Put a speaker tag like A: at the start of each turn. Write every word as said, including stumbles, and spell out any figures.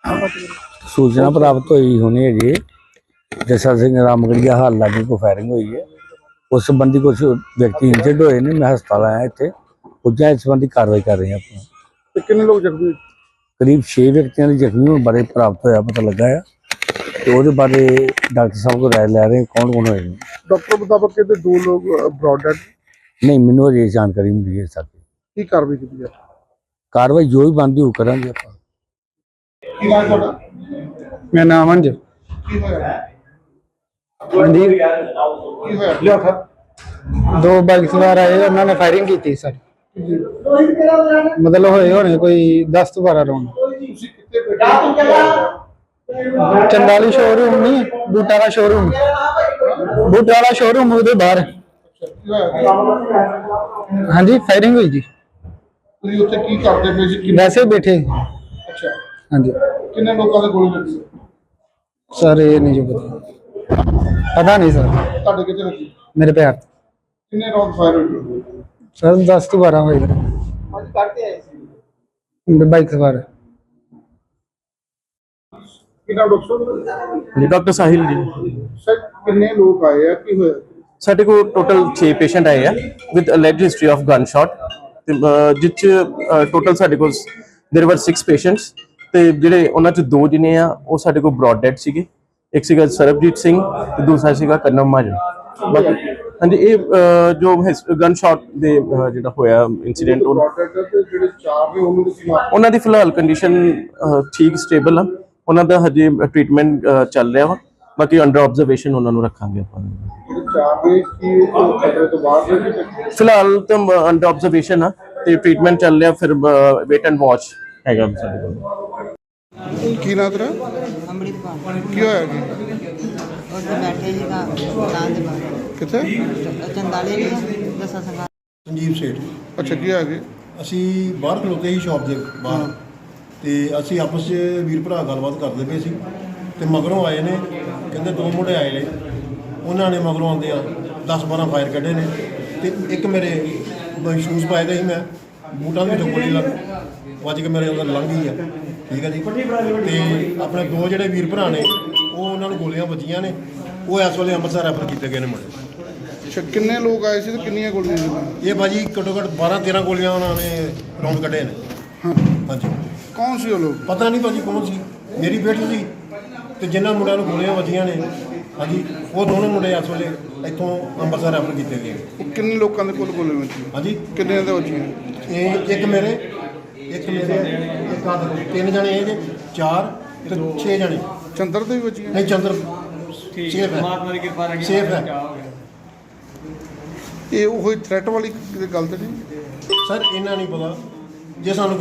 A: सूचना प्राप्त हुई होनी है जी जैसा सिंह रामगढ़िया हाल लागे को फायरिंग हुई है। उस संबंधी कुछ व्यक्ति इंजर्ड हुए ने। मैं हस्पताल आया इतने पुजा इस संबंधी कार्रवाई कर रहे हैं। अपना
B: कितने लोग जख्मी?
A: करीब छे व्यक्तियों के जख्मी होने बारे प्राप्त होया पता लगा है। तो वो बारे डॉक्टर साहब को राय लै रहे हैं कौन कौन होए।
B: डॉक्टर मुताबिक कहते दो लोग ब्रॉड डेड।
A: नहीं मैनू अजे जानकारी मिली है सारी।
B: की कार्रवाई की है?
A: कार्रवाई जो भी बनती वो करांगे ਆਪਾਂ।
C: मेरा नाम अंज दो बाइक सवार आए उन्होंने फायरिंग की थी सर। मतलब होए होने कोई दस तो बारह राउंड। चंदाली शोरूम नहीं बूटा का शोरूम बूटा वाला शोरूम ਉਹਦੇ बाहर। हाँ जी फायरिंग हुई जी।
B: ਤੁਸੀਂ ਉੱਥੇ ਕੀ ਕਰਦੇ ਪਏ ਸੀ?
C: वैसे बैठे।
B: ਅੱਛਾ
C: हाँ जी
B: ਕਿੰਨੇ ਲੋਕਾਂ ਦੇ ਗੋਲੀ ਲੱਗੀ?
C: सर ये नहीं जो पता पता नहीं सर।
B: ਤੁਹਾਡੇ ਕਿੱਥੇ ਲੱਗੀ?
C: मेरे पैर
B: ਕਿੰਨੇ ਰਾਉਂਡ ਫਾਇਰ ਹੋਏ?
C: सर दस तो बारह हो गए।
B: ਅੱਜ ਕਰਦੇ ਆਏ ਸੀ
C: बाइक सवार।
B: ਕਿੰਨਾ doctor?
D: Doctor Sahil ji
B: sir ਕਿੰਨੇ ਲੋਕ ਆਏ ਆ ਕੀ ਹੋਇਆ?
D: ਸਾਡੇ ਕੋਲ ਟੋਟਲ ਛੇ ਪੇਸ਼ੈਂਟ ਆਏ ਆ with alleged history of gun shot ਤੇ ਜਿਸ ਚ ਟੋਟਲ ਸਾਡੇ ਕੋਲ देयर वर सिक्स ਪੇਸ਼ੈਂਟਸ ਤੇ ਜਿਹੜੇ ਉਹਨਾਂ ਚ ਦੋ ਜਿਨੇ ਆ ਉਹ ਸਾਡੇ ਕੋਲ ਬ੍ਰੌਡ ਡੈਡ ਸੀਗੇ। ਇੱਕ ਸੀਗਾ ਸਰਬਜੀਤ ਸਿੰਘ ਤੇ ਦੂਸਰਾ ਸੀਗਾ ਕਰਨਮ ਮਾਜਨ। ਬਾਕੀ ਹਾਂਜੀ ਇਹ ਜੋ ਗਨ ਸ਼ਾਟ ਦੇ ਜਿਹੜਾ ਹੋਇਆ ਇਨਸੀਡੈਂਟ
B: ਜਿਹੜੇ ਚਾਰ ਨੇ ਉਹਨਾਂ ਦੇ
D: ਉਹਨਾਂ ਦੀ ਫਿਲਹਾਲ ਕੰਡੀਸ਼ਨ ਠੀਕ ਸਟੇਬਲ ਆ। ਉਹਨਾਂ ਦਾ ਹਜੇ ਟ੍ਰੀਟਮੈਂਟ ਚੱਲ ਰਿਹਾ ਵਾ। ਬਾਕੀ ਅੰਡਰ ਆਬਜ਼ਰਵੇਸ਼ਨ ਉਹਨਾਂ ਨੂੰ ਰੱਖਾਂਗੇ ਆਪਾਂ।
B: ਚਾਰ ਨੇ ਕੀ ਖਤਰੇ ਤੋਂ ਬਾਹਰ ਨੇ?
D: ਫਿਲਹਾਲ ਤਾਂ ਅੰਡਰ ਆਬਜ਼ਰਵੇਸ਼ਨ ਆ ਤੇ ਟ੍ਰੀਟਮੈਂਟ ਚੱਲ ਰਿਹਾ। ਫਿਰ ਵੇਟ ਐਂਡ ਵਾਚ ਹੈਗਾ ਸਾਡੇ ਕੋਲ।
B: ਕੀ ਨਾਂ ਤੇਰਾ?
E: ਅੰਮ੍ਰਿਤਪਾਲ
B: ਕੀ ਹੋਇਆ ਜੀ?
E: ਉੱਥੇ ਬੈਠੇ ਸੀਗਾ ਦੁਕਾਨ ਦੇ ਬਾਹਰ
B: ਕਿੱਥੇ?
E: ਚੰਦਾਲੇ ਨਹੀਂ ਦਸਾਂ ਸੰਗਾ
F: ਸੰਜੀਵ ਸੇਠ।
B: ਅੱਛਾ ਕੀ ਹੋਇਆ ਜੀ?
F: ਅਸੀਂ ਬਾਹਰ ਖਲੋਤੇ ਸੀ ਸ਼ਾਪ ਦੇ ਬਾਹਰ ਤੇ ਅਸੀਂ ਆਪਸ 'ਚ ਵੀਰ ਭਰਾ ਗੱਲਬਾਤ ਕਰਦੇ ਪਏ ਸੀ ਤੇ ਮਗਰੋਂ ਆਏ ਨੇ ਕਹਿੰਦੇ ਦੋ ਮੁੰਡੇ ਆਏ ਨੇ। ਉਹਨਾਂ ਨੇ ਮਗਰੋਂ ਆਉਂਦੇ ਆ ਦਸ ਬਾਰਾਂ ਫਾਇਰ ਕੱਢੇ ਨੇ ਤੇ ਇੱਕ ਮੇਰੇ ਸ਼ੂਜ਼ ਪਾਏ ਦੇ ਸੀ ਮੈਂ ਬੂਟਾਂ ਦੇ ਵਿੱਚੋਂ ਗੋਲੀ ਲੱਗ ਵੱਜ ਕੇ ਮੇਰੇ ਅੰਦਰ ਲੰਘ ਗਈ ਆ। ਠੀਕ ਹੈ ਜੀ। ਤੇ ਆਪਣੇ ਦੋ ਜਿਹੜੇ ਵੀਰ ਭਰਾ ਨੇ ਉਹ ਉਹਨਾਂ ਨੂੰ ਗੋਲੀਆਂ ਵੱਜੀਆਂ ਨੇ। ਉਹ ਇਸ ਵੇਲੇ ਅੰਮ੍ਰਿਤਸਰ ਰੈਫਰ ਕੀਤੇ ਗਏ ਨੇ ਮੁੰਡੇ।
B: ਅੱਛਾ ਕਿੰਨੇ ਲੋਕ ਆਏ ਸੀ ਤੇ ਕਿੰਨੀਆਂ ਗੋਲੀਆਂ ਸੀ?
F: ਇਹ ਭਾਜੀ ਘੱਟੋ ਘੱਟ ਬਾਰਾਂ ਤੇਰਾਂ ਗੋਲੀਆਂ ਉਹਨਾਂ ਨੇ ਰਾਉਂਡ ਕੱਢੇ ਨੇ।
B: ਹਾਂ
F: ਹਾਂਜੀ
B: ਕੌਣ ਸੀ ਉਹ ਲੋਕ?
F: ਪਤਾ ਨਹੀਂ ਭਾਜੀ ਕੌਣ ਸੀ। ਮੇਰੀ ਬੇਟੀ ਸੀ ਤੇ ਜਿਨ੍ਹਾਂ ਮੁੰਡਿਆਂ ਨੂੰ ਗੋਲੀਆਂ ਵੱਜੀਆਂ ਨੇ ਹਾਂਜੀ ਉਹ ਦੋਨੋਂ ਮੁੰਡੇ ਇਸ ਵੇਲੇ ਇੱਥੋਂ ਅੰਮ੍ਰਿਤਸਰ ਰੈਫਰ ਕੀਤੇ ਗਏ।
B: ਉਹ ਕਿੰਨੇ ਲੋਕਾਂ ਦੇ ਕੋਲ ਗੋਲੀਆਂ ਵੱਜੀਆਂ?
F: ਹਾਂਜੀ
B: ਕਿੰਨੇ ਦੇ ਵੱਜੀਆਂ?
F: ਇਹ ਇੱਕ ਮੇਰੇ ਇੱਕ ਮੇਰੇ ਇੱਕ ਆਹ ਦੇਖੋ, ਤਿੰਨ ਜਣੇ ਇਹ ਜੇ ਚਾਰ ਤੇ ਛੇ ਜਣੇ।
B: ਚੰਦਰ ਦੇ ਵੀ ਵੱਜੀਆਂ?
F: ਨਹੀਂ ਚੰਦਰ ਸੇਫ ਹੈ ਸੇਫ ਹੈ।
B: ਇਹ ਉਹ ਥ੍ਰੈਟ ਵਾਲੀ ਗੱਲ ਤੇ ਨਹੀਂ?
F: ਸਰ ਇਹਨਾਂ ਨਹੀਂ ਪਤਾ ਜੇ ਸਾਨੂੰ